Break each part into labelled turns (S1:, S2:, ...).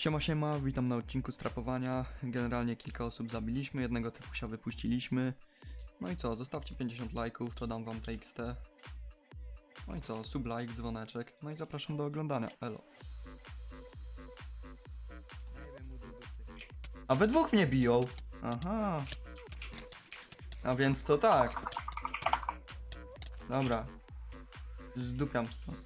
S1: Siema, siema, witam na odcinku strapowania. Generalnie kilka osób zabiliśmy, jednego typusia wypuściliśmy. No i co, zostawcie 50 lajków, to dam wam TXT. No i co, sub like, dzwoneczek, no i zapraszam do oglądania, elo. A we dwóch mnie biją! Aha. A więc to tak. Dobra. Zdupiam stąd.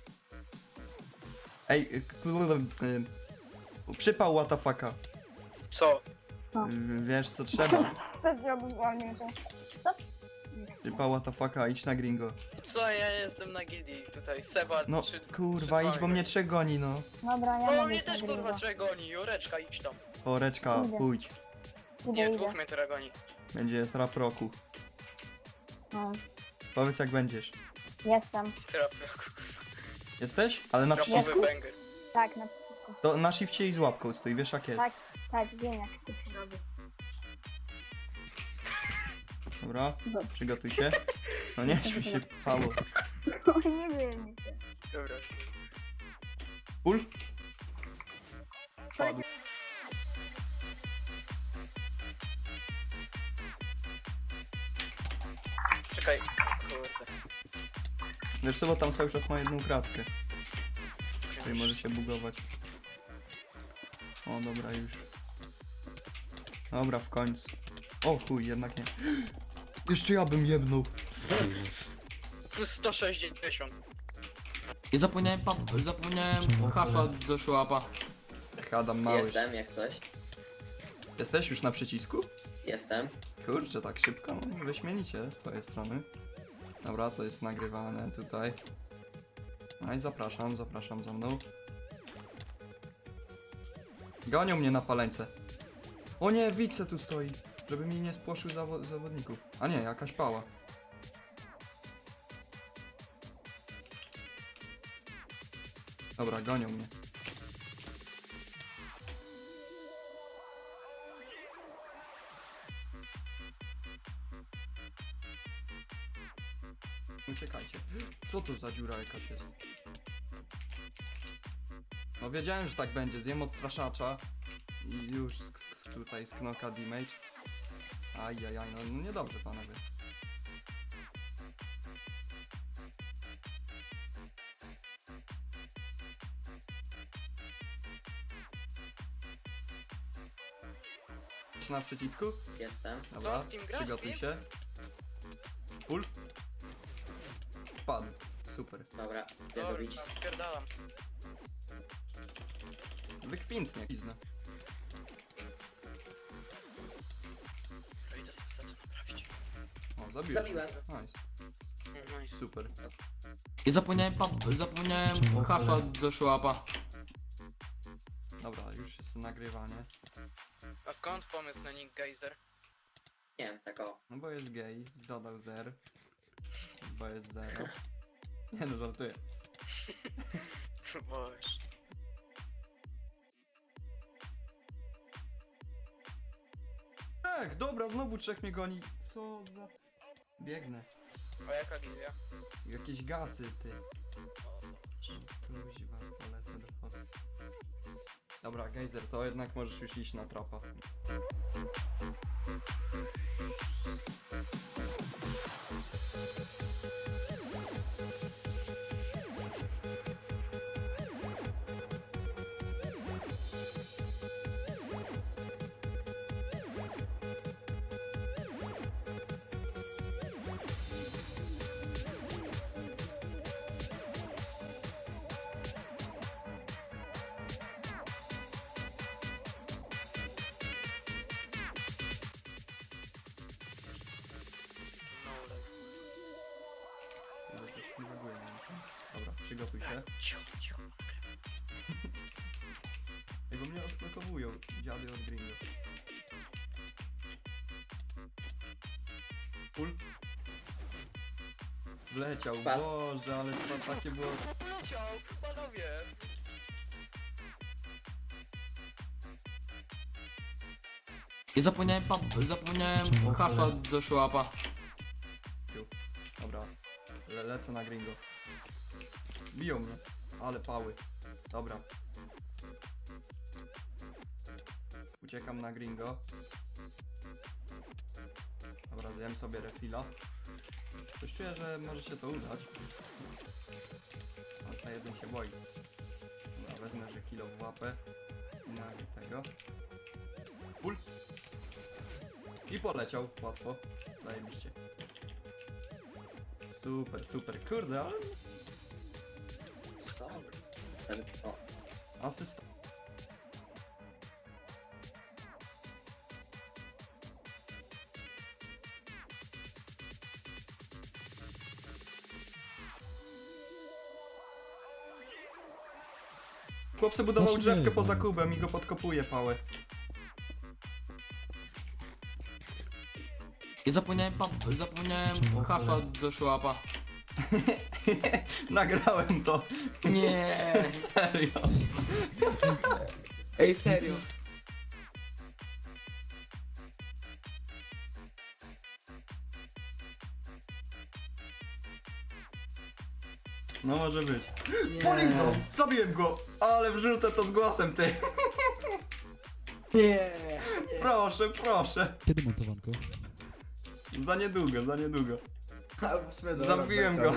S1: Ej, przypał WTF-a.
S2: Co?
S1: Wiesz co trzeba.
S3: Też zrobił wolniej, że... Co?
S1: Przypał WTF-a, idź na gringo.
S2: Co? Ja jestem na gildii tutaj. Seba,
S1: No kurwa, idź, bo mnie trzech goni, no.
S3: Dobra, ja
S2: No
S3: mogę
S2: mnie
S3: iść na
S2: też
S3: gringo.
S2: kurwa trzeba goni. Jureczka, idź tam.
S1: Poreczka,
S3: Idę.
S1: pójdź.
S2: Nie,
S3: Idę.
S2: dwóch mnie teraz goni.
S1: Będzie trap roku.
S3: No,
S1: Powiedz jak będziesz.
S3: jestem.
S2: Trap,
S1: Jesteś? Ale na
S2: trapowy
S1: przycisku?
S2: banger.
S3: Tak, na przycisku.
S1: To na shifcie i z łapką stój, wiesz jak jest.
S3: Tak, tak, wiem jak to się robi.
S1: Dobra,
S3: Dobrze.
S1: przygotuj się. No nie, żeby się pało.
S3: O, nie wiem.
S2: Dobra.
S1: Pul? Padł.
S2: Czekaj. Kurde.
S1: Wiesz co, bo tam cały czas ma jedną kratkę. Czyli może się bugować. O, dobra, już. Dobra, w końcu. O chuj, jednak nie. Jeszcze ja bym jebnął.
S2: Plus 160.
S4: I zapomniałem hasła do szłapa.
S1: Adam mały.
S5: Jestem, jak coś.
S1: Jesteś już na przycisku?
S5: Jestem.
S1: Kurczę, tak szybko? No, wyśmienicie z twojej strony. Dobra, to jest nagrywane tutaj. No i zapraszam za mną. Gonią mnie na paleńce. O nie, wice tu stoi, żeby mi nie spłoszył zawodników. A nie, jakaś pała. Dobra, gonią mnie. Uciekajcie. Co to za dziura jakaś jest? No wiedziałem, że tak będzie. Zjem odstraszacza. I już tutaj z knoka damage. Ajajaj, no niedobrze panowie. Na przycisku?
S5: Jestem.
S1: Dobra,
S2: z kim grasz,
S1: przygotuj
S2: z kim?
S1: się. Pull. Wpadł. Super.
S5: Dobra, idę
S2: Dobra,
S5: robić.
S2: spierdalam.
S1: Wykwintnie, pizna.
S2: Idę sobie to naprawić.
S1: O, zabiłeś.
S5: Zabiłem.
S1: Nice.
S2: No i
S1: Super.
S4: I zapomniałem hasła do szłapa.
S1: Dobra, już jest nagrywanie.
S2: A skąd pomysł na Nick Geyser?
S5: Nie wiem, tak o.
S1: No bo jest gay, dodał zer. Bo jest zero. Nie no, żartuję.
S2: Boże.
S1: Ech, dobra, znowu trzech mnie goni. Co za... Biegnę.
S2: A jaka gildia?
S1: Jakieś gasy, ty.
S2: O Boże.
S1: Kuźwa, polecę do fosy. Dobra, gejzer, to jednak możesz już iść na trapa.
S2: No leg.
S1: Jakoś mi reaguje, nie wiem. Dobra, przygotuj się.
S2: Cicho, cicho.
S1: Ej, bo mnie odblokowują. Dziady od gringo. Pul. Wleciał,
S5: Wpadł.
S1: Boże, ale to takie było...
S2: Poleciał, panowie.
S4: I zapomniałem hasła do szłapa.
S1: Dobra, lecę na gringo. Biją mnie, ale pały. Dobra. Uciekam na gringo. Dobra, zjem sobie refila. Coś czuję, że może się to udać. A ta jeden się boi. Dobra, wezmę, że kilo w łapę. I na tego. Pul. I poleciał, łatwo. Zajebiście. Super, super. Kurde, ale
S5: Co? O,
S1: asysta. Chłop sobie budował
S6: Znaczy
S1: drzewkę
S6: nie,
S1: poza
S6: no.
S1: kubem i go podkopuje pałę.
S4: I zapomniałem hasła do szłapa.
S1: Nagrałem to.
S4: Nie.
S1: Serio.
S4: Ej, serio.
S1: No może być.
S4: Nie.
S1: Polizą! Zabiłem go! Ale wrzucę to z głosem, ty!
S4: Nie.
S1: Proszę, proszę!
S6: Kiedy montowanko?
S1: Za niedługo, za niedługo.
S4: A, w sumie dobra,
S1: Zabiłem go.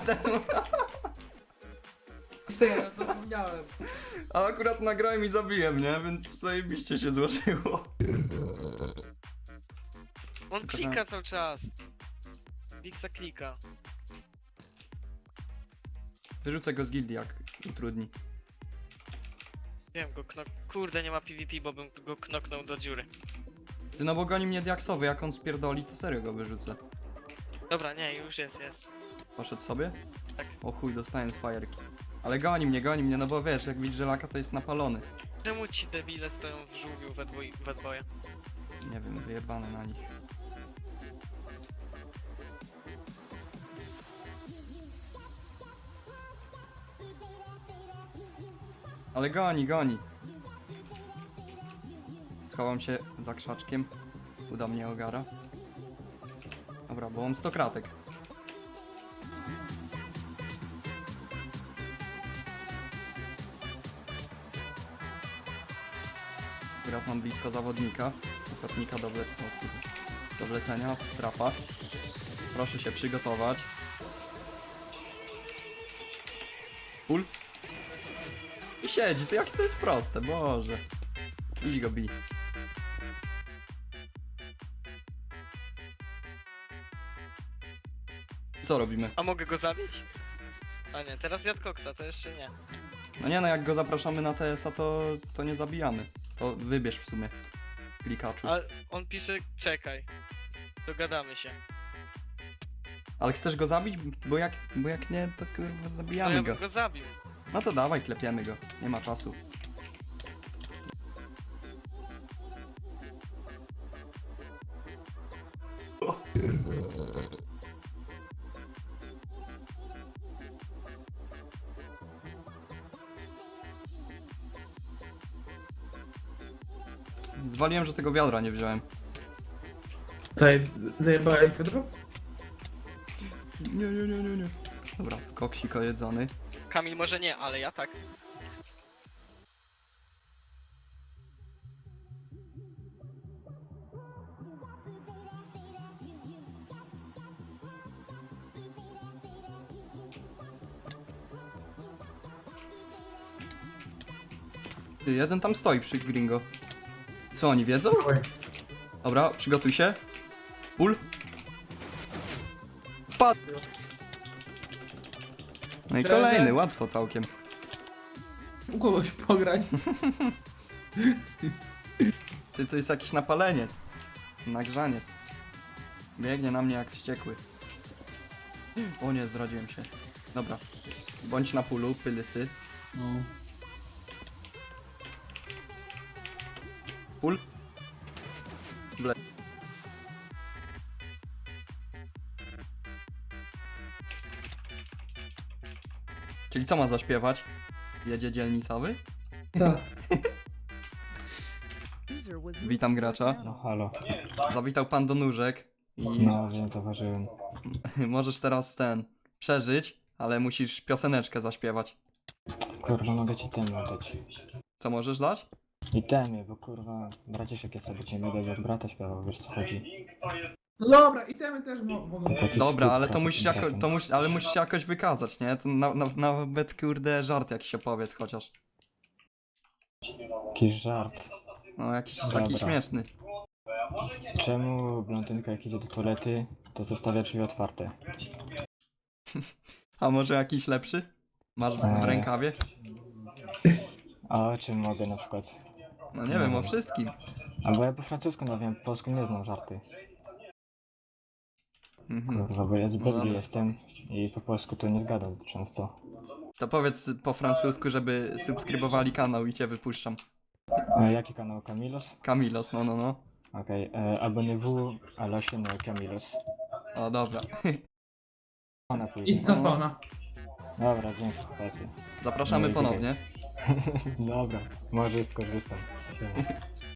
S4: Serio, zapomniałem.
S1: A akurat nagrałem i zabiłem, nie? Więc zajebiście się złożyło.
S2: On klika cały czas. Wixa klika.
S1: Wyrzucę go z gildii, jak utrudni.
S2: Wiem go Kurde, nie ma PvP, bo bym go knoknął do dziury.
S1: Ty no bo goni mnie diaksowy, jak on spierdoli, to serio go wyrzucę.
S2: Dobra, nie, już jest.
S1: Poszedł sobie?
S2: Tak.
S1: O chuj, dostałem z fajerki. Ale goni mnie, no bo wiesz, jak widzisz, że laka to jest napalony.
S2: Czemu ci debile stoją w żółwiu we dwoje?
S1: Nie wiem, wyjebane na nich. Ale goni. Schowam się za krzaczkiem. Uda mnie ogara. Dobra, bo mam 100 kratek. Akurat mam blisko zawodnika. Ochotnika do wlecenia w trapa. Proszę się przygotować. Pul. I siedzi, to jakie to jest proste, Boże. Idź go bij. Co robimy?
S2: A mogę go zabić? A nie, teraz jadł koksa, to jeszcze nie.
S1: No nie no, jak go zapraszamy na TS-a, to nie zabijamy. To wybierz w sumie. Klikaczu.
S2: Ale on pisze, czekaj. Dogadamy się.
S1: Ale chcesz go zabić? Bo jak nie, to kurwa
S2: No
S1: zabijamy
S2: ja
S1: go.
S2: bym go zabił.
S1: No to dawaj, klepiemy go. Nie ma czasu. O. Zwaliłem, że tego wiadra nie wziąłem.
S7: Zajebałeś wiadro?
S1: Nie. Dobra, koksiko jedzony.
S2: Kamil może nie, ale ja tak.
S1: Ty, jeden tam stoi przy gringo. Co oni wiedzą? Dobra, przygotuj się. Pul. Wpadł. No i kolejny, łatwo całkiem.
S7: U kogoś pograć.
S1: Ty, to jest jakiś napaleniec. Nagrzaniec. Biegnie na mnie jak wściekły. O nie, zdradziłem się. Dobra. Bądź na pulu, pylysy.
S7: No.
S1: Pul. Ble. Czyli co ma zaśpiewać? Jedzie dzielnicowy?
S7: Tak.
S1: Witam gracza.
S8: No halo,
S1: Zawitał pan do nóżek i
S8: no wiem, zauważyłem.
S1: możesz teraz przeżyć, ale musisz pioseneczkę zaśpiewać.
S8: Kurwa, mogę ci ten oddać.
S1: Co możesz dać?
S6: I temy, bo kurwa, braciszek jest, aby cię nie będę jak brata śpiewał, wiesz co chodzi.
S7: No dobra, itemy też mogą.
S6: Taki
S1: Dobra, ale to
S6: skrót
S1: musisz
S6: trochę
S1: jako,
S6: tym
S1: to
S6: bratem.
S1: ale musisz się jakoś wykazać, nie? To nawet kurde żart jakiś opowiedz chociaż.
S6: Jakiś żart.
S1: No jakiś
S6: Dobra.
S1: taki śmieszny.
S6: Czemu blondynka jak idzie do toalety, to zostawia drzwi otwarte?
S1: A może jakiś lepszy? Masz w rękawie?
S6: A o czym mogę na przykład?
S1: No nie wiem, o wszystkim.
S6: Albo ja po francusku wiem, po polsku nie znam żarty.
S1: Mhm.
S6: Kurwa, bo ja z
S1: Dobra.
S6: Belgii jestem i po polsku to nie zgadam często.
S1: To powiedz po francusku, żeby subskrybowali kanał i cię wypuszczam.
S6: Jaki kanał? Camilos?
S1: Kamilos, no.
S6: Okej, abonnez-vous à la chaîne Camilos.
S1: O, dobra.
S6: Ona
S7: I
S6: pójdzie.
S7: na spawna.
S6: Dobra, dzięki chłopacy.
S1: Zapraszamy
S6: No i
S1: ponownie.
S6: Dobra, może skorzystam.